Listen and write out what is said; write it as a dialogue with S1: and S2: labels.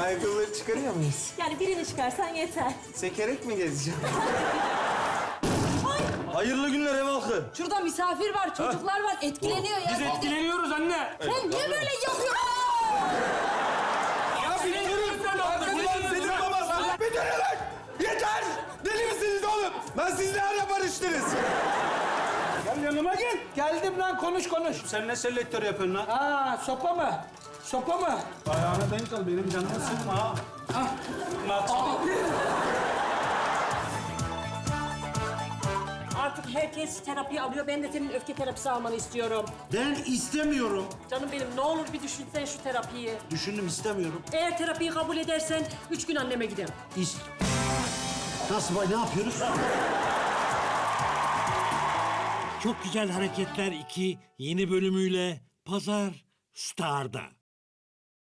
S1: Ayakkabıları çıkarıyor muyuz?
S2: Yani birini çıkarsan yeter.
S1: Sekerek mi gezeceğim?
S3: Hayırlı günler ev halkı.
S4: Şurada misafir var, çocuklar var. Etkileniyor ya.
S5: Biz etkileniyoruz anne.
S4: Sen niye böyle yapıyorsun?
S5: Ya bilmiyoruz sen
S1: Ulan senin baban! Bir dönün lan! Yeter! Deli misiniz oğlum? Ben siz ne ara barıştınız?
S5: Gel yanıma gel.
S6: Geldim lan, konuş.
S5: Sen ne selektör yapıyorsun lan?
S6: Aa, sopa mı? Sopa mı?
S5: Ayağına denk al, benim canımı sıkma ha.
S2: Artık herkes terapi alıyor. Ben de senin öfke terapisi almanı istiyorum.
S3: Ben istemiyorum.
S2: Canım benim ne olur bir düşünsen şu terapiyi.
S3: Düşündüm istemiyorum.
S2: Eğer terapiyi kabul edersen 3 gün anneme giderim.
S3: Nasıl ne yapıyoruz?
S7: Çok Güzel Hareketler 2 yeni bölümüyle Pazar Star'da.